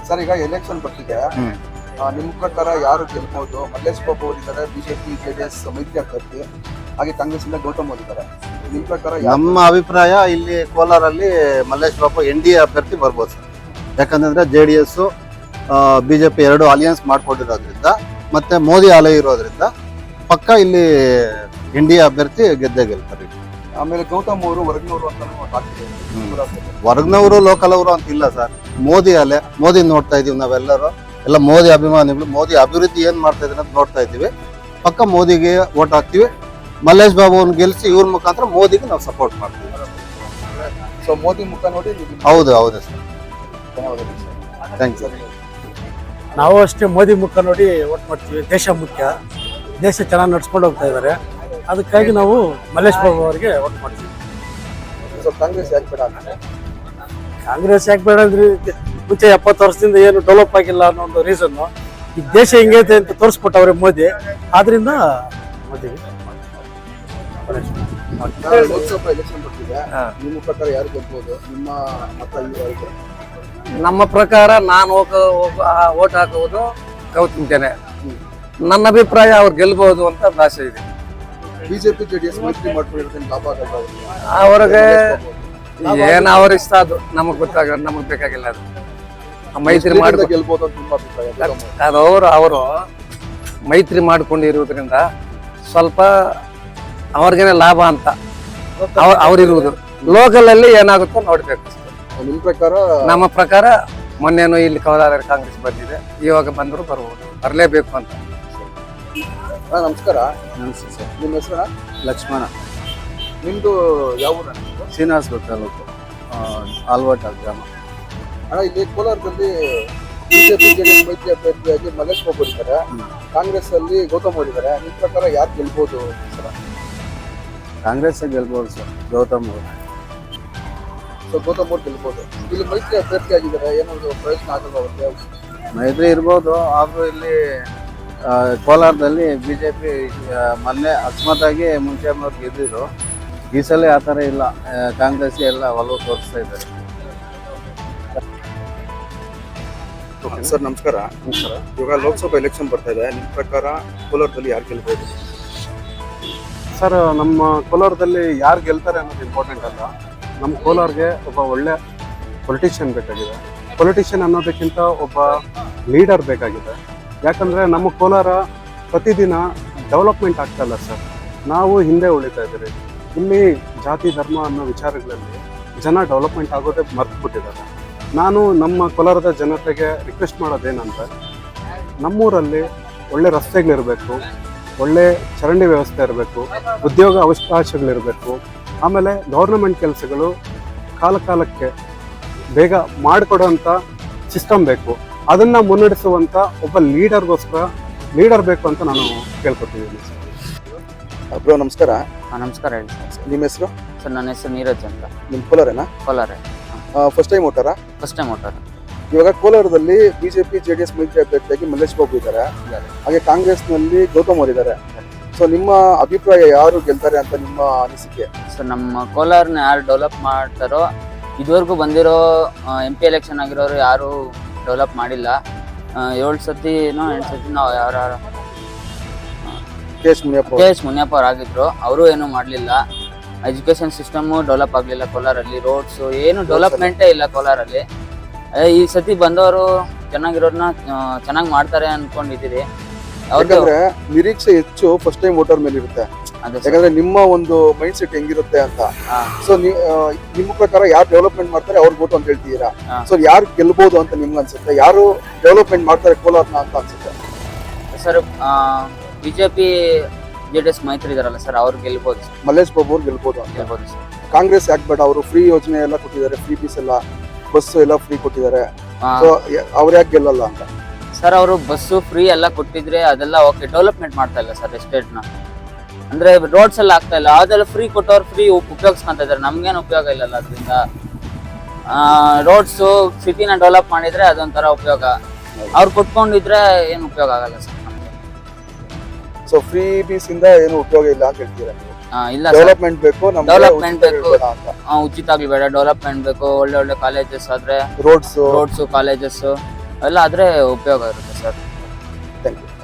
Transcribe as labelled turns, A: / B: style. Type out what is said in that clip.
A: Sir ಈಗ election ಬರ್ತಿದೆ, ನಿಮ್ಮ ಪ್ರಕಾರ ಯಾರು ಗೆಲ್ಬಹುದು? ಮಲ್ಲೇಶ್ ಬಾಬು ಅವರಿದ್ದಾರೆ, ಬಿಜೆಪಿ ಜೆಡಿಎಸ್ ಮೈತ್ರಿ ಅಭ್ಯರ್ಥಿ, ಹಾಗೆ ಕಾಂಗ್ರೆಸ್ ಇಂದ ಗೌತಮ್ ಅವರಿದ್ದಾರೆ. ನಿಮ್ಮ ಪ್ರಕಾರ
B: ನಮ್ಮ ಅಭಿಪ್ರಾಯ ಇಲ್ಲಿ ಕೋಲಾರಲ್ಲಿ ಮಲ್ಲೇಶ್ ಬಾಬು NDA ಅಭ್ಯರ್ಥಿ ಬರ್ಬೋದು ಸರ್. ಯಾಕಂತಂದ್ರೆ JDS ಬಿಜೆಪಿ ಎರಡು ಅಲಿಯನ್ಸ್ ಮಾಡ್ಕೊಂಡಿರೋದ್ರಿಂದ ಮತ್ತೆ ಮೋದಿ ಅಲೆ ಇರೋದ್ರಿಂದ ಪಕ್ಕ ಇಲ್ಲಿ NDA ಅಭ್ಯರ್ಥಿ ಗೆದ್ದೇ ಗೆಲ್ತಾರೆ.
A: ಆಮೇಲೆ ಗೌತಮ್ ಅವರು ಹೊರಗಿನವರು ಅಂತ
B: ಹೊರಗ್ನವರು ಲೋಕಲ್ ಅವರು ಅಂತ ಇಲ್ಲ ಸರ್. ಮೋದಿ ಅಲೆ, ಮೋದಿ ನೋಡ್ತಾ ಇದೀವಿ ನಾವೆಲ್ಲರೂ, ಎಲ್ಲ ಮೋದಿ ಅಭಿಮಾನಿಗಳು. ಮೋದಿ ಅಭಿವೃದ್ಧಿ ಏನ್ ಮಾಡ್ತಾ ಇದ್ದಾರೆ ಅಂತ ನೋಡ್ತಾ ಇದ್ದೀವಿ. ಪಕ್ಕ ಮೋದಿಗೆ ವೋಟ್ ಹಾಕ್ತಿವಿ. ಮಲ್ಲೇಶ್ ಬಾಬು ಅವ್ರನ್ನ ಗೆಲ್ಸಿ ಇವ್ರ ಮುಖಾಂತರ ಮೋದಿಗೆ ನಾವು ಸಪೋರ್ಟ್ ಮಾಡ್ತೀವಿ.
A: ಸೊ ಮೋದಿ ಮುಖ ನೋಡಿ
B: ಹೌದು ಸರ್. Thank you.
C: ನಾವು ಅಷ್ಟೇ ಮೋದಿ ಮುಖ ನೋಡಿ ವೋಟ್ ಮಾಡ್ತೀವಿ. ದೇಶ ಮುಖ್ಯ, ದೇಶ ಚೆನ್ನಾಗಿ ನಡ್ಸ್ಕೊಂಡು ಹೋಗ್ತಾ ಇದ್ದಾರೆ. ಅದಕ್ಕಾಗಿ ನಾವು ಮಲ್ಲೇಶ್ ಬಾಬು ಅವರಿಗೆ ವೋಟ್ ಮಾಡ್ತೀವಿ.
A: ಸೊ ಕಾಂಗ್ರೆಸ್ ಯಾಕೆ ಬೇಡ ಅಂತ?
C: ಕಾಂಗ್ರೆಸ್ ಯಾಕೆ ಬೇಡ ಅಂದ್ರೆ ಮುಂಚೆ 70 ವರ್ಷದಿಂದ ಏನು ಡೆವಲಪ್ ಆಗಿಲ್ಲ ಅನ್ನೋ ಒಂದು ರೀಸನ್. ಈ ದೇಶ ಹೆಂಗೈತೆ ಅಂತ ತೋರಿಸ್ಬಿಟ್ಟವ್ರೆ ಮೋದಿ. ಆದ್ರಿಂದ ಮೋದಿ.
A: ಲೋಕಸಭಾ ಎಲೆಕ್ಷನ್ ಬರ್ತಿದೆ, ನಿಮ್ಮ ಪ್ರಕಾರ ಯಾರು ಗೆಲ್ಬಹುದು? ನಿಮ್ಮ ಮತ ಯಾರಿಗೆ?
D: ನಮ್ಮ ಪ್ರಕಾರ ನಾನು ಓಟ್ ಹಾಕುವುದು ಗೌತಮ್ ಜನ. ನನ್ನ ಅಭಿಪ್ರಾಯ ಅವ್ರು ಗೆಲ್ಬಹುದು ಅಂತ ಆಸೆ ಇದೆ.
A: ಬಿಜೆಪಿ ಜೆಡಿಎಸ್ ಮೈತ್ರಿ ಮಾಡ್ಕೊಂಡಿರೋದ್ರಿಂದ ಲಾಭ ಆಗಲ್ಲ
D: ಅವ್ರಿಗೆ ಏನ್ ಅವ್ರ ಇಷ್ಟ ಅದು ನಮಗ್ ನಮಗ್ ಬೇಕಾಗಿಲ್ಲ. ಅದು ಮೈತ್ರಿ ಮಾಡಿ
A: ಗೆಲ್ಬಹುದು ಅಂತ ನಿಮ್ಮ ಅಭಿಪ್ರಾಯ?
D: ಅವರು ಮೈತ್ರಿ ಮಾಡ್ಕೊಂಡಿರುವುದರಿಂದ ಸ್ವಲ್ಪ ಅವ್ರಿಗೇನೆ ಲಾಭ ಅಂತ ಅವ್ರಿರುವುದು. ಲೋಕಲ್ ಅಲ್ಲಿ ಏನಾಗುತ್ತೋ ನೋಡ್ಬೇಕು.
A: ನಿಮ್ ಪ್ರಕಾರ?
D: ನಮ್ಮ ಪ್ರಕಾರ ಮೊನ್ನೆನು ಇಲ್ಲಿ ಕೋಲಾರ ಕಾಂಗ್ರೆಸ್ ಬಂದಿದೆ, ಇವಾಗ ಬಂದ್ರು ಬರ್ಬೋದು, ಬರ್ಲೇಬೇಕು ಅಂತ.
A: ನಮಸ್ಕಾರ.
B: ನಮಸ್ತೆ ಸರ್.
A: ನಿಮ್ಮ ಹೆಸರು?
B: ಲಕ್ಷ್ಮಣ.
A: ನಿಮ್ದು ಯಾವ ಊರ?
B: ಶ್ರೀನಿವಾಸಪುರ ತಾಲೂಕು, ಆಲ್ವಾಟ ಗ್ರಾಮ.
A: ಅಣ್ಣ, ಇಲ್ಲಿ ಕೋಲಾರದಲ್ಲಿ ಬಿಜೆಪಿ ಜೆಡಿಎಸ್ ಮೈತ್ರಿ ಅಭ್ಯರ್ಥಿಯಾಗಿ ಮಲ್ಲೇಶ್ ಬಾಬು ಇದ್ದಾರೆ, ಕಾಂಗ್ರೆಸ್ ಅಲ್ಲಿ ಗೌತಮ್ ಅವರಿದ್ದಾರೆ. ನಿಮ್ಮ ಪ್ರಕಾರ ಯಾರು ಗೆಲ್ಬಹುದು ಸರ್?
B: ಕಾಂಗ್ರೆಸ್ ಗೆಲ್ಬಹುದು ಸರ್, ಗೌತಮ್ ಅವರು.
A: ಸೊ ಗೌತಮ್ ಅವ್ರು ಗೆಲ್ಬಹುದು. ಇಲ್ಲಿ ಮೈತ್ರಿ ಅಭ್ಯರ್ಥಿ ಆಗಿದ್ದಾರೆ, ಏನಾದ್ರು ಪ್ರಯೋಜನ ಆಗಲ್ಲ ಅವ್ರಿಗೆ?
B: ಮೈತ್ರಿ ಇರ್ಬೋದು, ಆದ್ರೂ ಇಲ್ಲಿ ಕೋಲಾರದಲ್ಲಿ ಬಿಜೆಪಿ ಮೊನ್ನೆ ಅಕಸ್ಮಾತಾಗಿ ಮುಂಚೆ ಅವ್ರು ಗೆದ್ದಿದ್ರು. ಈ ಸಲ ಆ ಥರ ಇಲ್ಲ, ಕಾಂಗ್ರೆಸ್ ಎಲ್ಲ ಒಲವು ತೋರಿಸ್ತಾ ಇದ್ದಾರೆ.
A: ಸರ್ ನಮಸ್ಕಾರ. ಇವಾಗ ಲೋಕಸಭಾ ಎಲೆಕ್ಷನ್ ಬರ್ತಾ ಇದೆ, ನಿಮ್ಮ ಪ್ರಕಾರ ಕೋಲಾರದಲ್ಲಿ ಯಾರು ಗೆಲ್ಬಹುದು?
E: ಸರ್, ನಮ್ಮ ಕೋಲಾರದಲ್ಲಿ ಯಾರು ಗೆಲ್ತಾರೆ ಅನ್ನೋದು ಇಂಪಾರ್ಟೆಂಟ್ ಅಲ್ಲ. ನಮ್ಮ ಕೋಲಾರ್ಗೆ ಒಬ್ಬ ಒಳ್ಳೆ ಪೊಲಿಟಿಷಿಯನ್ ಬೇಕಾಗಿದೆ. ಪೊಲಿಟಿಷಿಯನ್ ಅನ್ನೋದಕ್ಕಿಂತ ಒಬ್ಬ ಲೀಡರ್ ಬೇಕಾಗಿದೆ. ಯಾಕಂದರೆ ನಮ್ಮ ಕೋಲಾರ ಪ್ರತಿದಿನ ಡೆವಲಪ್ಮೆಂಟ್ ಆಗ್ತಾ ಇಲ್ಲ ಸರ್. ನಾವು ಹಿಂದೆ ಉಳಿತಾ ಇದ್ದೀರಿ. ಇಲ್ಲಿ ಜಾತಿ ಧರ್ಮ ಅನ್ನೋ ವಿಚಾರಗಳಲ್ಲಿ ಜನ ಡೆವಲಪ್ಮೆಂಟ್ ಆಗೋದೇ ಮರ್ತು ಬಿಟ್ಟಿದ್ದಾರೆ. ನಾನು ನಮ್ಮ ಕೋಲಾರದ ಜನತೆಗೆ ರಿಕ್ವೆಸ್ಟ್ ಮಾಡೋದೇನಂದರೆ, ನಮ್ಮೂರಲ್ಲಿ ಒಳ್ಳೆ ರಸ್ತೆಗಳಿರಬೇಕು, ಒಳ್ಳೆ ಚರಂಡಿ ವ್ಯವಸ್ಥೆ ಇರಬೇಕು, ಉದ್ಯೋಗ ಅವಕಾಶಗಳಿರಬೇಕು. ಆಮೇಲೆ ಗೌರ್ನಮೆಂಟ್ ಕೆಲಸಗಳು ಕಾಲಕ್ಕೆ ಬೇಗ ಮಾಡಿಕೊಡೋಂಥ ಸಿಸ್ಟಮ್ ಬೇಕು. ಅದನ್ನು ಮುನ್ನಡೆಸುವಂಥ ಒಬ್ಬ ಲೀಡರ್ ಬೇಕು ಅಂತ ನಾನು ಕೇಳ್ಕೊತಿದ್ದೀನಿ ಸರ್.
A: ಬ್ರೋ ನಮಸ್ಕಾರ.
F: ನಮಸ್ಕಾರ ಹೇಳಿ ಸರ್.
A: ನಿಮ್ಮ ಹೆಸರು?
F: ಸರ್ ನನ್ನ ಹೆಸರು ನೀರಜ್ ಅಂತ.
A: ನಿಮ್ಮ ಕೋಲಾರೇನಾ?
F: ಕೋಲಾರ.
A: ಫಸ್ಟ್ ಟೈಮ್ ಓಟಾರಾ?
F: ಫಸ್ಟ್ ಟೈಮ್ ಓಟಾರ.
A: ಇವಾಗ ಕೋಲಾರದಲ್ಲಿ ಬಿಜೆಪಿ ಜೆಡಿಎಸ್ ಮೈತ್ರಿ ಅಭ್ಯರ್ಥಿಯಾಗಿ ಮಲ್ಲೇಶ್ ಬಾಬು ಇದ್ದಾರೆ, ಹಾಗೆ ಕಾಂಗ್ರೆಸ್ನಲ್ಲಿ ಗೌತಮ್ ಅವರಿದ್ದಾರೆ. ಸೊ ನಿಮ್ಮ ಅಭಿಪ್ರಾಯ ಯಾರು ಗೆಲ್ತಾರೆ ಅಂತ ನಿಮ್ಮ ಅನಿಸಿಕೆ?
F: ಸರ್, ನಮ್ಮ ಕೋಲಾರನ ಯಾರು ಡೆವಲಪ್ ಮಾಡ್ತಾರೋ, ಇದುವರೆಗೂ ಬಂದಿರೋ MP ಎಲೆಕ್ಷನ್ ಆಗಿರೋರು ಯಾರು ಡೆವಲಪ್ ಮಾಡಿಲ್ಲ. 7 ಸತಿನೋ 8 ಸತಿ ನಾವು ಯಾರು
A: KS
F: ಮುನಿಯಪ್ಪ ಅವ್ರು ಆಗಿದ್ರು, ಅವರು ಏನೂ ಮಾಡಲಿಲ್ಲ. ಎಜುಕೇಶನ್ ಸಿಸ್ಟಮು ಡೆವಲಪ್ ಆಗಲಿಲ್ಲ ಕೋಲಾರಲ್ಲಿ. ರೋಡ್ಸು ಏನು ಡೆವಲಪ್ಮೆಂಟೇ ಇಲ್ಲ ಕೋಲಾರಲ್ಲಿ. ಈ ಸತಿ ಬಂದವರು ಚೆನ್ನಾಗಿರೋದನ್ನ ಚೆನ್ನಾಗಿ ಮಾಡ್ತಾರೆ ಅನ್ಕೊಂಡಿದ್ದೀರಿ.
A: ಯಾಕಂದ್ರೆ ನಿರೀಕ್ಷೆ ಹೆಚ್ಚು ಫಸ್ಟ್ ಟೈಮ್ ವೋಟರ್ ಮೇಲೆ ಇರುತ್ತೆ. ಯಾಕಂದ್ರೆ ನಿಮ್ಮ ಒಂದು ಮೈಂಡ್ ಸೆಟ್ ಹೆಂಗಿರುತ್ತೆ ಅಂತ. ಸೊ ನಿಮ್ಮ ಪ್ರಕಾರ ಯಾರು ಡೆವಲಪ್ಮೆಂಟ್ ಮಾಡ್ತಾರೆ ಅವ್ರಿಗೆ ವೋಟ್ ಅಂತ ಹೇಳ್ತೀರಾ. ಸೊ ಯಾರು ಗೆಲ್ಬಹುದು ಅಂತ ನಿಮ್ಗೆ ಅನ್ಸುತ್ತೆ? ಯಾರು ಡೆವಲಪ್ಮೆಂಟ್ ಮಾಡ್ತಾರೆ ಕೋಲಾರ್ನ ಅಂತ ಅನ್ಸುತ್ತೆ
F: ಸರ್? ಬಿಜೆಪಿ JDS ಮೈತ್ರಿ ಇದಾರಲ್ಲ ಸರ್, ಅವ್ರು ಗೆಲ್ಬಹುದು ಸರ್.
A: ಮಲ್ಲೇಶ್ ಬಾಬು ಅವ್ರು ಗೆಲ್ಬಹುದು
F: ಸರ್.
A: ಕಾಂಗ್ರೆಸ್ ಯಾಕೆ ಬೇಡ? ಅವರು ಫ್ರೀ ಯೋಜನೆ ಎಲ್ಲ ಕೊಟ್ಟಿದ್ದಾರೆ, ಫ್ರೀ ಬೀಸ್ ಎಲ್ಲ, ಬಸ್ ಎಲ್ಲ ಫ್ರೀ ಕೊಟ್ಟಿದ್ದಾರೆ. ಸೊ ಅವ್ರು ಯಾಕೆ ಗೆಲ್ಲಲ್ಲ ಅಂತ
F: ಸರ್? ಅವರು ಬಸ್ಸು ಫ್ರೀ ಎಲ್ಲ ಕೊಟ್ಟಿದ್ರೆ ಅದೆಲ್ಲ ಓಕೆ, ಡೆವಲಪ್ಮೆಂಟ್ ಮಾಡ್ತಾ ಇಲ್ಲ ಸರ್ ಎಸ್ಟೇಟ್ನ. ಅಂದ್ರೆ ರೋಡ್ಸ್ ಎಲ್ಲ ಆಗ್ತಾ ಇಲ್ಲ. ಅದೆಲ್ಲ ಫ್ರೀ ಕೊಟ್ಟವ್ರು ಫ್ರೀ ಉಪಯೋಗಿಸ್ಕೊಂತ ಇದಾರೆ, ನಮ್ಗೇನು ಉಪಯೋಗ ಇಲ್ಲಲ್ಲ ಅದರಿಂದ. ರೋಡ್ಸು ಸಿಟಿನ ಡೆವಲಪ್ ಮಾಡಿದ್ರೆ ಅದೊಂಥರ ಉಪಯೋಗ. ಅವ್ರು ಕೊಟ್ಕೊಂಡಿದ್ರೆ ಏನು ಉಪಯೋಗ ಆಗಲ್ಲ ಸರ್ ನಮ್ಗೆ.
A: ಸೊ ಫ್ರೀ ಬೀಸ್ ಇಂದ ಏನು ಉಪಯೋಗ ಇಲ್ಲ ಅಂತ ಹೇಳ್ತೀರಾ?
F: ಇಲ್ಲ,
A: ಡೆವಲಪ್ಮೆಂಟ್ ಬೇಕು,
F: ಡೆವಲಪ್ಮೆಂಟ್ ಬೇಕು, ಉಚಿತ ಆಗ್ಲಿ ಬೇಡ, ಡೆವಲಪ್ಮೆಂಟ್ ಬೇಕು. ಒಳ್ಳೆ ಕಾಲೇಜಸ್ ಆದ್ರೆ ರೋಡ್ಸ್ ಕಾಲೇಜಸ್ ಅವೆಲ್ಲ ಆದ್ರೆ ಉಪಯೋಗ ಇರುತ್ತೆ ಸರ್.
A: Thank you.